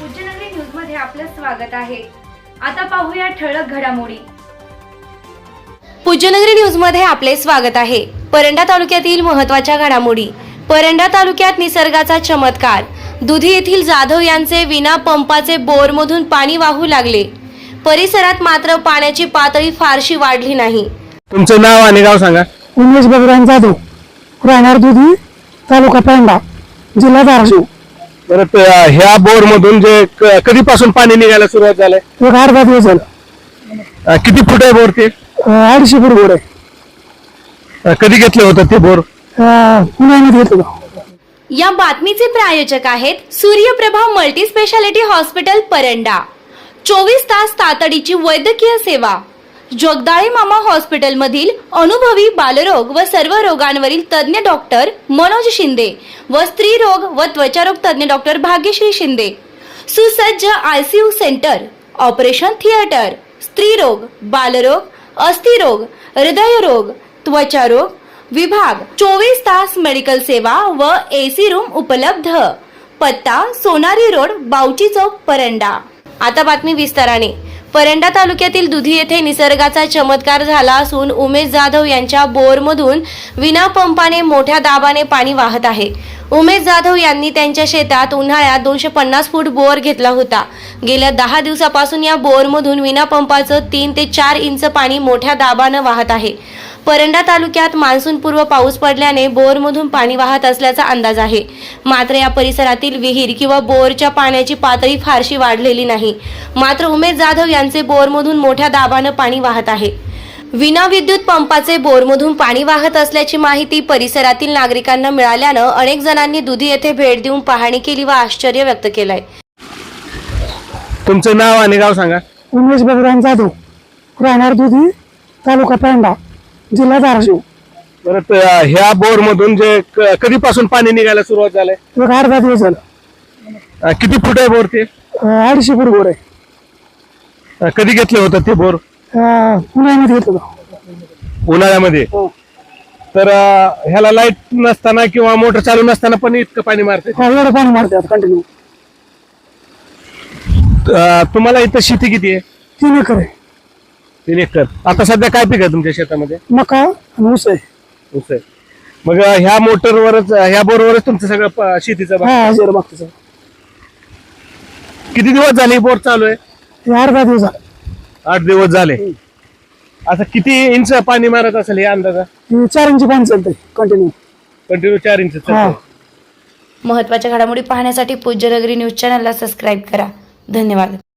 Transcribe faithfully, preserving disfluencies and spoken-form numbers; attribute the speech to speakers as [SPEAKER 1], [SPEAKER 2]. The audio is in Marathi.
[SPEAKER 1] पूज्यनगरी न्यूज मध्ये आपलं स्वागत आहे। आता पाहूया ठळक घडामोडी। पूज्यनगरी न्यूज मध्ये आपले स्वागत आहे। परंडा तालुक्यातील महत्त्वाच्या घडामोडी। परंडा तालुक्यात निसर्गाचा चमत्कार। दुधी येथील जाधव यांचे विना पंपाचे बोरमधून पाणी वाहू लागले। परिसरात मात्र पाण्याची पातळी फारशी वाढली नाही।
[SPEAKER 2] तुमचं नाव आणि गाव सांगा।
[SPEAKER 3] उमेश भगवान जाधव, राहणार दुधी, तालुका परंडा, जिल्हा धाराशिव।
[SPEAKER 2] परत ह्या बोर मधून जे क- कधीपासून पाणी निघायला सुरुवात झालंय?
[SPEAKER 3] एक आठ दहा दिवस झालं।
[SPEAKER 2] अं, किती फूट आहे बोर ते?
[SPEAKER 3] अं, अडीचशे फूट गोड आहे।
[SPEAKER 2] अं, कधी घेतलं होतं ते बोर?
[SPEAKER 3] अं, पुण्यामध्ये घेतलं होतं।
[SPEAKER 1] या बातमीचे प्रायोजक आहेत Suryaprabha multi speciality hospital Paranda. चोवीस तास तातडीची वैद्यकीय सेवा। जगदाळे मामा हॉस्पिटल मधील अनुभवी बालरोग व सर्व रोगांवरील तज्ञ डॉक्टर मनोज शिंदे व स्त्री रोग व त्वचारोग तज्ञ डॉक्टर भाग्यश्री शिंदे। सुसज्ज आयसीयू सेंटर, ऑपरेशन थिएटर, स्त्री रोग, बालरोग, अस्थिरोग, हृदयरोग, त्वचारोग विभाग, चोवीस तास मेडिकल सेवा व एसी रूम उपलब्ध। पत्ता सोनारी रोड, बावची चौक, परंडा। आता बातमी विस्ताराने। परंडा तालुक्यातील दुधी येथे निसर्गाचा चमत्कार झाला असून उमेश जाधव यांच्या बोरमधून विना पंपाने मोठ्या दाबाने पाणी वाहत आहे। उमेश जाधव यांनी त्यांच्या शेतात उन्हाळ्यात दोनशे पन्नास फूट बोर घेतला होता। गेल्या दहा दिवसापासून या बोरमधून विना पंपाचं तीन ते चार इंच पाणी मोठ्या दाबानं वाहत आहे। परंडा तालुक्यात मान्सूनपूर्व पाऊस पडल्याने बोरमधून पाणी वाहत असल्याचा अंदाज आहे। मात्र या परिसरातील विहीर किंवा बोरच्या पाण्याची पातळी फारशी वाढलेली नाही। मात्र उमेश जाधव यांचे बोरमधून मोठ्या दाबानं पाणी वाहत आहे। विना विद्युत पंपाचे बोरमधून पाणी वाहत असल्याची माहिती परिसरातील नागरिकांना मिळाल्यानं अनेक जणांनी दुधी येथे भेट देऊन पाहणी केली व आश्चर्य व्यक्त केलंय।
[SPEAKER 2] तुमचं नाव आणि गाव सांगा।
[SPEAKER 3] उमेश भगवान जाधव, राहणार दुधी, तालुका परंडा, जिल्हा धाराशिव।
[SPEAKER 2] परत अं, ह्या बोर मधून जे क- कधीपासून पाणी निघायला सुरुवात झालंय?
[SPEAKER 3] एक आठ दहा दिवस झालं।
[SPEAKER 2] अं, किती फूट आहे बोर ते?
[SPEAKER 3] अं, अडीचशे फूट गोड आहे।
[SPEAKER 2] अं, कधी घेतलं होतं ते बोर?
[SPEAKER 3] अं, पुण्यामध्ये घेतलं होतं।
[SPEAKER 2] उन्हाळ्यामध्ये। तर अं, ह्याला लाईट नसताना किंवा मोटर चालू नसताना पण इतकं पाणी मारते?
[SPEAKER 3] हा, एवढं पाणी मारते कंटिन्यू।
[SPEAKER 2] अं, तुम्हाला इथं शेती किती आहे?
[SPEAKER 3] तीन एकर आहे।
[SPEAKER 2] तीन एकर। आता सध्या काय पीक आहे तुमच्या शेतामध्ये?
[SPEAKER 3] मका आणि ऊस आहे।
[SPEAKER 2] ऊस आहे। मग अं, ह्या मोटरवरच ह्या बोरवरच तुमचं सगळं प- शेतीचं बा-
[SPEAKER 3] हा हजार मागचं
[SPEAKER 2] किती दिवस झाले बोर चालू आहे?
[SPEAKER 3] आठ दहा दिवस झाले।
[SPEAKER 2] आठ दिवस झाले। आता किती इंच पाणी मारत असेल हे अंदाजा?
[SPEAKER 3] हे चार इंची पाणी चालतंय कंटिन्यू।
[SPEAKER 2] कंटिन्यू चार इंच चालतंय।
[SPEAKER 3] हा।
[SPEAKER 1] महत्त्वाच्या घडामोडी पाहण्यासाठी पूज्यनगरी न्यूज चॅनलला सबस्क्राईब करा। धन्यवाद।